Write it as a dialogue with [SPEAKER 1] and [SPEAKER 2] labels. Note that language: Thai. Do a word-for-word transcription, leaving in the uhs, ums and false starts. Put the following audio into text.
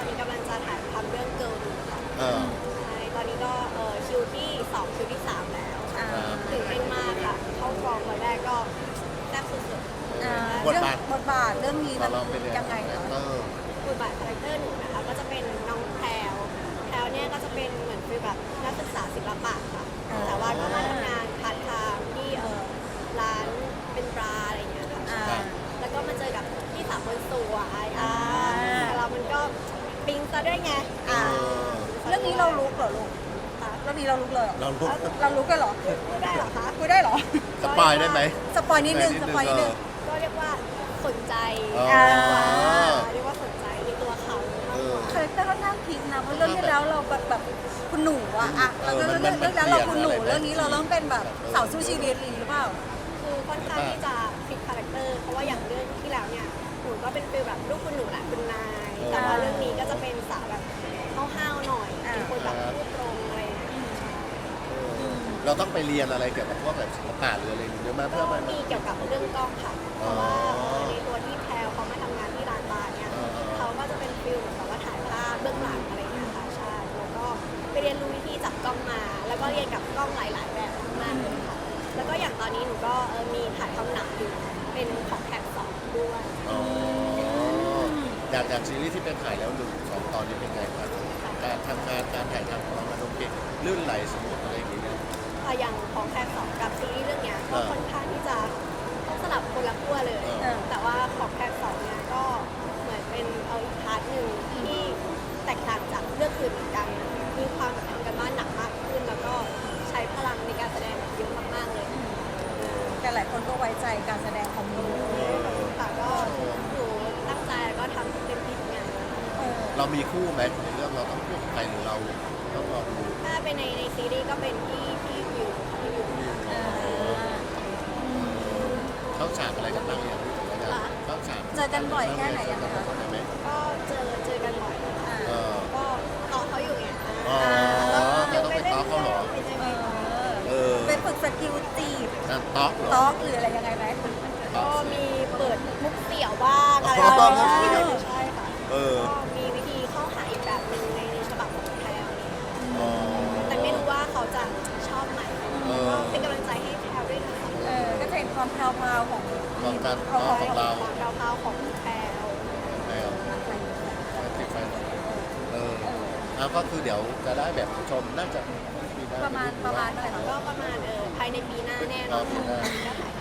[SPEAKER 1] อนนี้กำลังจะถ่ายทำเรื่องเกิร์ลค่ะ
[SPEAKER 2] เออ
[SPEAKER 1] ใช่ตอนนี้ก็เออคิวที่สองคิวที่สามแล้ว
[SPEAKER 3] อ่า
[SPEAKER 1] ตื่นเต้นมากค่ะเข้ากองวันแรกก็แซ่บสุด
[SPEAKER 3] อ่า
[SPEAKER 2] บทบาท
[SPEAKER 3] เรื่องบทบาทเรื่องนี้
[SPEAKER 2] ข
[SPEAKER 3] มั
[SPEAKER 2] อน ลองไปเรียน
[SPEAKER 3] ยังไงเหรอ
[SPEAKER 2] เออ
[SPEAKER 1] ๆบทบาทคาแรคเตอร์หนูนะคะก็จะเป็นน้องแพรวแพรวเนี่ยก็จะเป็นเหมือนฟีลแบบนักศึกษาศิลปะค่ะ
[SPEAKER 3] อ่า
[SPEAKER 1] แต่ว่าก็มาทำงานพาร์ทไทม์ที่เออร้านเป็นบราอะไรอย่างเงี้ยค่ะ
[SPEAKER 3] อ่า
[SPEAKER 1] ใช่แล้วก็มาเจอกับพี่สาวคนสวยอ่า
[SPEAKER 3] อ่า
[SPEAKER 1] แต่เรามันก็ปิ๊งซะด้วยไง
[SPEAKER 3] อ่า เรื่องนี้เราลุกเหรอลูก
[SPEAKER 1] ค่ะ
[SPEAKER 3] เรื่องนี้เราลุกเลยเหรอ
[SPEAKER 2] เราลุก
[SPEAKER 3] เราลุกกันเหรอ
[SPEAKER 1] พูดได้เหรอคะ
[SPEAKER 3] คุยได้เหรอ
[SPEAKER 2] สปอยได้ไหม
[SPEAKER 3] สปอยนิดนึงสปอยนิดนึง
[SPEAKER 1] ก็เรียกว่าสนใจ
[SPEAKER 2] อ๋อ
[SPEAKER 3] อ่า
[SPEAKER 1] เรียกว่าสนใจในตัวเขามากกว่า
[SPEAKER 3] คาแรคเตอร์ค่อนข้างพลิกนะเพราะเรื่องที่แล้วเราแบบแบบคุณหนูอะอะ
[SPEAKER 2] เอ
[SPEAKER 3] แล้ว
[SPEAKER 2] อ
[SPEAKER 3] เรื่อง
[SPEAKER 2] มั
[SPEAKER 3] เรื่
[SPEAKER 2] น
[SPEAKER 3] อง
[SPEAKER 2] มัน
[SPEAKER 3] เรื่องแล้วเราคุณหนู
[SPEAKER 2] เปลี่ยนอะไรไหม
[SPEAKER 3] เรื่องนี้เราเริ่มเป็นแบบสาวสู้ชีวิตอะไรอย่างงี้หรือเปล่า
[SPEAKER 1] คือค่อนข้างที่จะพลิกคาแรคเตอร์เพราะว่าอย่างเรื่องที่แล้วเนี่ยหนูก็เป็นฟีลแบบลูกคุณหนูแหละคุณนาย แต่ว่าเรื่องนี้ก็จะเป็นสาวแบบห้าวๆหน่อยเป็นคนแบบพูดตรงอะไรอย่างเงี้ย
[SPEAKER 2] เราต้องไปเรียนอะไรเกี่ยวกับพวกแบบศิลปะหรืออะไรเยอะมาก
[SPEAKER 1] ก็
[SPEAKER 2] เพื่อมา
[SPEAKER 1] มีเกี่ยวกับเรื่องกล้องค่ะเพราะว่าเออในตัวที่แพลวเขามาทำงานที่ร้านบาร์เนี่ยเขาก็จะเป็นฟิลเหมือนกับว่าถ่ายภาพเบื้องหลังอะไรอย่างเงี้ยค่ะใช่แล้วก็ไปเรียนรู้วิธีจับกล้องมา แล้วก็เรียนกับกล้องหลาย ๆ แบบมากเลยค่ะแล้วก็อย่างตอนนี้หนูก็เออมีถ่ายทำหนังอยู่เป็นของแท็กสองด้วย
[SPEAKER 2] อ๋อจากจากซีรีส์ที่เป็นถ่ายแล้วหนึ่งสองตอนนี้เป็นไงครับการทำงานการถ่ายทำของเรามันโอเคลื่นไหลสมูทอะไรอย่างเงี้ย
[SPEAKER 1] อ่ะอย่างของแท็กสองกับซีรีส์เรื่องเนี้ยก็
[SPEAKER 2] เออ
[SPEAKER 1] ค่อนข้างที่จะต้องสลับคนละขั้วเลย
[SPEAKER 2] เออ
[SPEAKER 1] แต่ว่าของแท็กสองเนี่ยก็เหมือนเป็นเอาอีกพาร์ทหนึ่งที่แตกต่างจากเรื่องอื่นเหมือนกัน มีความแบบทำกันบ้านหนักมากขึ้น แล้วก็ใช้พลังในการแสดงแบบเยอะมากๆเลย
[SPEAKER 3] แต่หลายคนก็ไว้ใจการแสดงของหนู
[SPEAKER 1] ค่ะก็หนูตั้งใจแล้วก็ทำเต็มที่ทุกอย่างเลยค่ะ
[SPEAKER 3] เออ
[SPEAKER 2] เรามีคู่ไหมในเรื่องเราต้องคู่กับใครหรือเราต้องรอดู
[SPEAKER 1] ถ้าเป็นในในซีรีส์ก็เป็นพี่พี่วิวค่ะพี่วิว
[SPEAKER 3] อ่า
[SPEAKER 2] เข้าฉากอะไรกันบ้างอย่างเข้าฉาก
[SPEAKER 3] เจอกันบ่อยแค่ไหนยังไงคะ
[SPEAKER 2] ไหม
[SPEAKER 1] ก็เจอเจอกันบ่อยค่ะ
[SPEAKER 3] อ่า
[SPEAKER 2] เออ
[SPEAKER 1] ก็ต่อเขาอยู่ไง
[SPEAKER 2] อ๋อเราต้องไปต้อเขาเหรอ
[SPEAKER 1] เป็นยังไง
[SPEAKER 2] เออ
[SPEAKER 3] ไปฝึกสกิลจีบ
[SPEAKER 2] นั่นต๊อกเหรอ
[SPEAKER 3] ต๊อกหรืออะไรยังไงไหม
[SPEAKER 1] ก็มีเปิดมุกเสี่ยวบ้างอะไร
[SPEAKER 2] อ๋อ
[SPEAKER 1] บ้าง
[SPEAKER 2] มุกเสี่ยว
[SPEAKER 1] ใช่ค่ะ
[SPEAKER 2] เออ
[SPEAKER 1] ก็มีวิธีเข้าหาอีกแบบหนึ่งในในฉบับของแพลวเนี่ย
[SPEAKER 2] อ๋อ
[SPEAKER 1] แต่ไม่รู้ว่าเขาจะชอบไหม
[SPEAKER 2] เออ
[SPEAKER 1] ก็เป็นกำลังใจให้แพลวด้วยนะคะ
[SPEAKER 3] เออก็จะเห็นความแพรวๆของ
[SPEAKER 2] ของการ
[SPEAKER 3] ของ
[SPEAKER 2] ต๊อกของเรา
[SPEAKER 1] ความเราวๆของแพลว
[SPEAKER 2] แล้วติดไฟเออแล้วก็คือเดี๋ยวจะได้แบบชมน่าจะปีหน้
[SPEAKER 3] ประมาณประมาณเท่าไหร่คะ
[SPEAKER 1] ก็ประมาณเออภายในปีหน้าแน่นอนค่ะก็ถ่าย